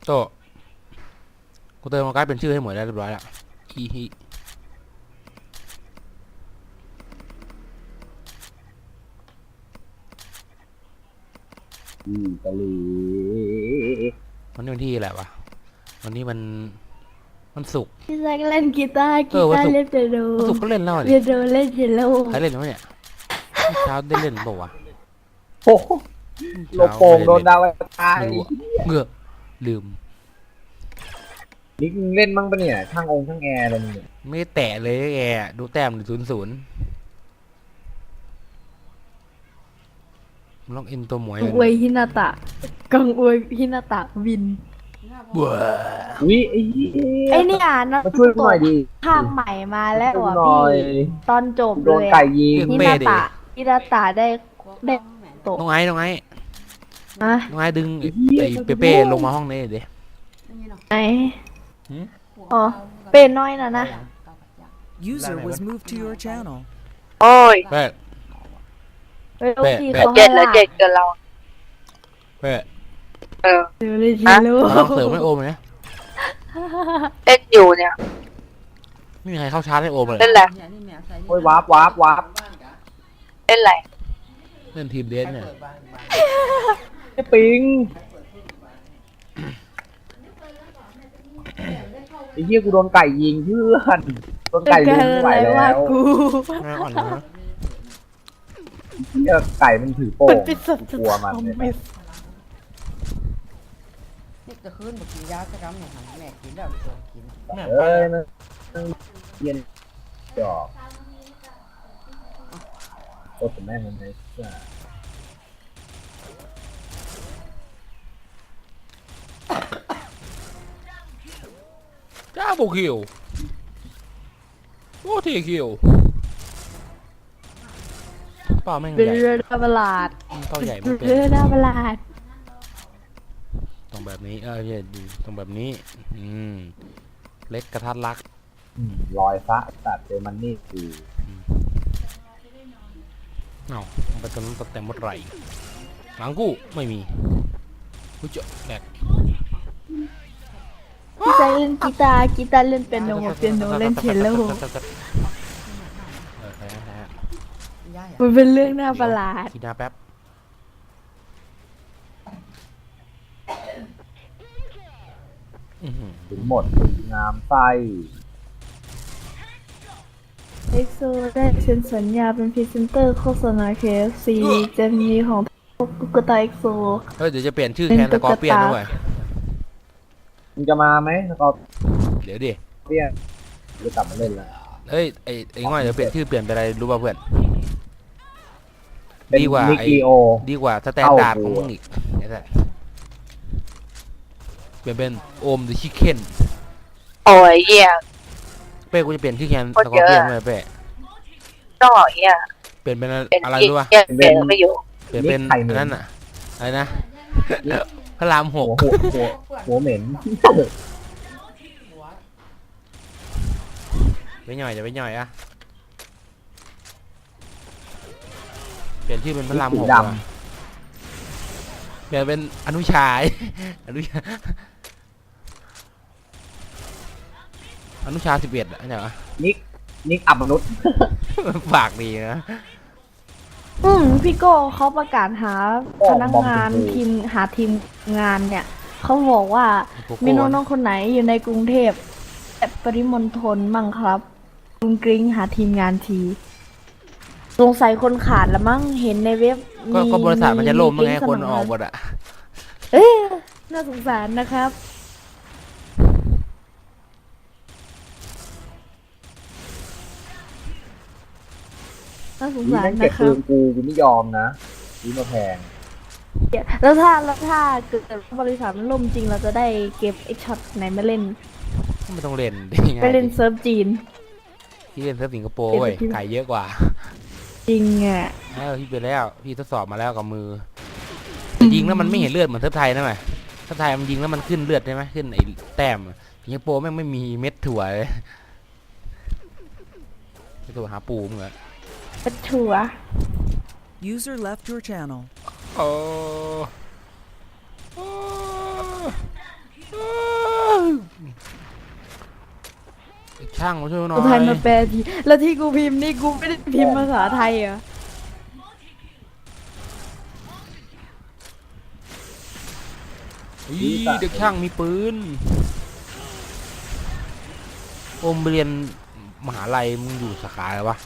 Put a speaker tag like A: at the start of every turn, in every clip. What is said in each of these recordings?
A: โตกูเติมมาใกล้เป็นชื่อให้หมดแล้วเรียบร้อยแล้วฮีฮี
B: กะหรี่
A: วันนี้วันที่อะไรวะวันนี้มันศุกร์
C: พี่แซกเล่นกีตาร์เล่นเปียโน
A: วันศุกร์ก็เล่นแล้วดิ
C: เปียโนเล่นเชลโล
A: ใครเล่นวะเนี่ยเช้าได้เล่นเปล่าวะ
B: โอ้โหโลโป่งโดนดาวตาย
A: เงือลืม
B: นี่เล่นมั่งปะเนี่ยช่างช่างแอร์อะไรเนี่ย
A: ไม่แตะเลยแกดูแต้ม0-0มันต้องอินตัวหมวย
C: กังอวยฮินาตะกังอวยฮินาตะวิน
A: บัว
B: วิ
C: ไอ้นี่นะ
B: มาช่วยหน่อยดิ
C: ภาคใหม่มาแล้วอ่ะพี่ตอนจบ
B: โดนไก่ยิง
C: ฮินาตะได้ตก
A: น้องไอ้น้องไอ้ดึงไอ้เป้ลงมาห้องนี้เดี๋ยว
C: ไหนอ๋อเป็นน้อยนะ
D: User was moved to your channel.
E: โอ้ย
A: เป้
E: เจ็ดแล้วเจ็ดกับเรา
A: เป้
C: เดี๋ยวเลยจิโร่
A: ลองเสริมให้โอมไหม
E: เล่นอยู่เนี่ย
A: ไม่มีใครเข้าชาร์จให้โอมเลย
E: เล่นอะไร
B: โอ้ยวาร์ป
E: เล่นอะไร
A: เล่นทีมเดสเนี่ย
B: ไอ้ปิงไอ้เหี้ยกูโดนไก่ยิงเพื่อนโดนไก่ยิงไม่ไหวแล้ว
C: กู
A: น่าอ่อนนะ
B: เหี้ยไก่มันถือโป่งกลัวมัน
F: นี่จะขึ้นบอกกินยาจะรำอย่างหันแม่กินแล้วเกิดกิน
B: นะเย็นจอกโอ้แต่แม่มันไง
A: จ้าโบคิวโอ้ทีคิวเปล่าแม่งใหญ่
C: เรือดาบลาด
A: เปล่าใหญ่ไม่เป็น
C: เรือดาบลาด
A: ตรงแบบนี้ใช่ดีตรงแบบนี้เล็กกระทัดรัก
B: ลอยฟ้าตัดเจอมันนี่คือ
A: เอาไปตอนนั้นแต่หมดไรหลังกูไม่มีกูเจาะแบก
C: พี่แซกเล่นกีตาร์เล่นเปียโนเล่นเชลโลมันเป็นเรื่องน่าประหลาด
A: ทีนาแป๊บ
B: ถึงหมดงามไส้
C: เอ็กโซได้เซ็นสัญญาเป็นพรีเซนเตอร์โฆษณา KFC จะมีของตุ๊กตาเอ็กโซ
A: เดี๋ยวจะเปลี่ยนชื่อแทนสกอร์เปียนด้วย
B: มึงจะมาไหมสกอร์
A: เดี๋ยวดิ
B: เปียนจะกลับมาเล่นแล้ว
A: ไอ้ง่อยเดี๋ยวเปลี่ยนชื่อเปลี่ยนไปอะไรรู้ป่ะเพื่อนดีกว่าสแตนดาร์ดของมึงอีกเปลี่ยนเป็นโอมเดอะชิคเก้น
E: โอ้ยเหี้ย
A: เป้กูจะเปลี่ยนชื่อแคนสกอร์เปียนเลยเป้
E: ก็เหี้ย
A: เปลี่ยนเป็นอะไรรู้ป่ะ
E: เปลี่ยนไม่อยู่
A: เปลี่ยนเป็นนั่นอะอะไรนะพระราม6
B: หัวเหม็น
A: ไปหน่อยเดี๋ยวไปหน่อยอะเปลี่ยนชื่อเป็นพระราม6เปลี่ยนเป็นอนุชาอนุชา11อะเนี่ยวะ
B: นิกอับมนุษย์
A: ฝากดีนะ
C: พี่โก้เขาประกาศหาพนักงานทีมงานเนี่ยเขาบอกว่ามีน้องๆคนไหนอยู่ในกรุงเทพและปริมณฑลมั่งครับกรุงกริ้งหาทีมงานทีสงสัยคนขาดละมั้งเห็นในเว็บ
A: ก็บริษัทมันจะล่มไงคนออกหมดอะ
C: น่าสงสารนะครับน่าสงสารนะครับ
B: กูไม่ยอมนะซื้อมาแพง
C: แล้วถ้าเกิดบริษัทมันล่มจริงเราจะได้เก็บไอ้ช็อตไหนมาเล่น
A: ไม่ต้องเล่น
C: ไปเล่นเซิร์ฟจีน
A: พี่เล่นเซิร์ฟสิงคโปร์เว้ยไก่เยอะกว่า
C: จริงอ่ะ
A: พี่ไปแล้วพี่ทดสอบมาแล้วกับมือยิงแล้วมันไม่เห็นเลือดเหมือนเซิร์ฟไทยนะไหมเซิร์ฟไทยมันยิงแล้วมันขึ้นเลือดใช่ไหมขึ้นไอ้แต้มสิงคโปร์แม่งไม่มีเม็ดถั่วเลยไปตัวหาปูมึงเหรอ
C: เป็นถั่ว
D: User left your channel.
A: โอ้ช่างมาช่วยหน่อ
C: ภาษาไทย
A: ย
C: มาแปลทีแล้วที่กูพิมพ์นี่กูไม่ได้พิมพ์ภาษาไทยเหรอ
A: อีเด็กช่างมีปืนโอมไปเรียนมหาลัยมึงอยู่สาขาอะไรวะ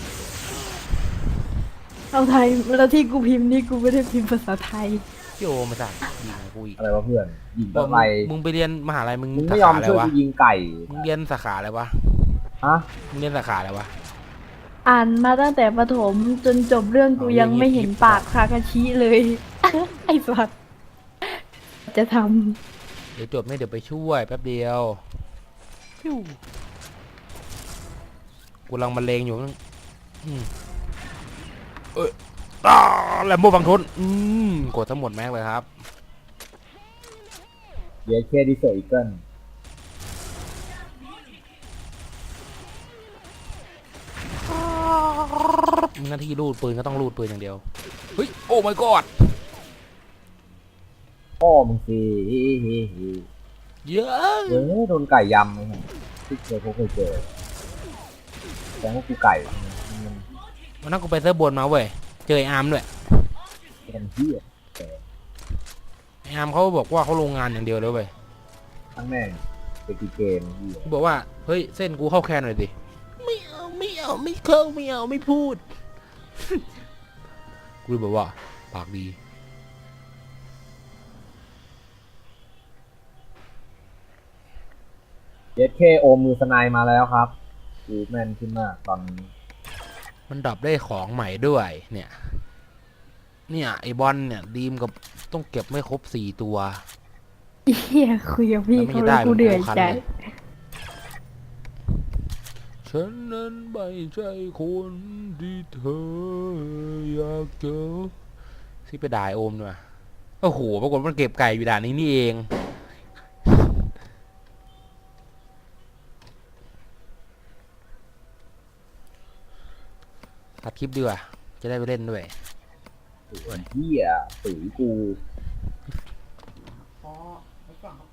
C: เอาไทยแล้วที่กูพิมพ์นี่กูไม่ได้พิมพ์ภาษาไทย
A: พี่โอมาจากยิงกูอีก
B: อะไรวะเพื่อนยิง
A: บอก
B: อะไร
A: มึงไปเรียนมหาลัยมึง
B: มึง
A: สา
B: ไม่ยอ
A: ขาม อะไร
B: ช่วย
A: วะ
B: กูยิงไก่
A: มึงเรียนสาขาอะไรวะ
B: ฮะ
A: มึงเรียนสาขาอะไรวะ
C: อ่านมาตั้งแต่ประถมจนจบเรื่องกูยังไม่เห็นปากคากาชิเลย ไอ้สัสจะท
A: เดี๋ยวจบไม่เดี๋ยวไปช่วยแป๊บเดียวฟิวกูกำลังบรรเลงอยู่นั่นแลมโบบังทนกดทั้งหมดแม็กเลยครับ
B: เดี๋ยวเคดิเซอร์อีเกิล
A: มึงหน้าที่รูดปืนก็ต้องรูดปืนอย่างเดียวเฮ้ยโอ้ my god
B: พ่อมึงสิ
A: เยอะ
B: เฮ้ยโดนไก่ยำเลยฮะที่เคยเจอแต่ว่ากูไก่มัน
A: วันนั้นกูไปเซิร์ฟบนมาเว้ยเจอไอ้อาร์มด้วย
B: เป็นเหี้ย
A: ไอ้อาร์มเขาบอกว่าเขาโรงงานอย่างเดียวเลยเว้ย
B: ทั้งแม่งเป็นกีเกมเหี้ย
A: กูบอกว่าเฮ้ยเส้นกูเข้าแคนหน่อยดิไม่เอาไม่เข้าไม่เอาไม่พูด กูเลยบอกว่าปากดี
B: เย็ดเคโอมมือสไนมาแล้วครับกูแม่นขึ้นมากตอนนี้
A: มันดรอปได้ของใหม่ด้วยเนี่ยไอบอลเนี่ยดีมกับต้องเก็บไม่ครบ4 ตัว
C: ำเฮียคุยกับพี่
A: แล้วไม่
C: เขา
A: ได้
C: แล้วกู
A: มัน
C: เดือด
A: คัน
C: ใจ
A: เลย ฉันนั้นไม่ใช่คนที่เธออยากเจอที่ไปด่าไอ้โอมด้วยโอ้โหปรากฏมันเก็บไก่อยู่ด่านนี้นี่เองตัดคลิปดีกว่าจะได้ไปเล่นด้วย
B: เหี้ยตุ๋ยกู
F: พอไปฟังเขา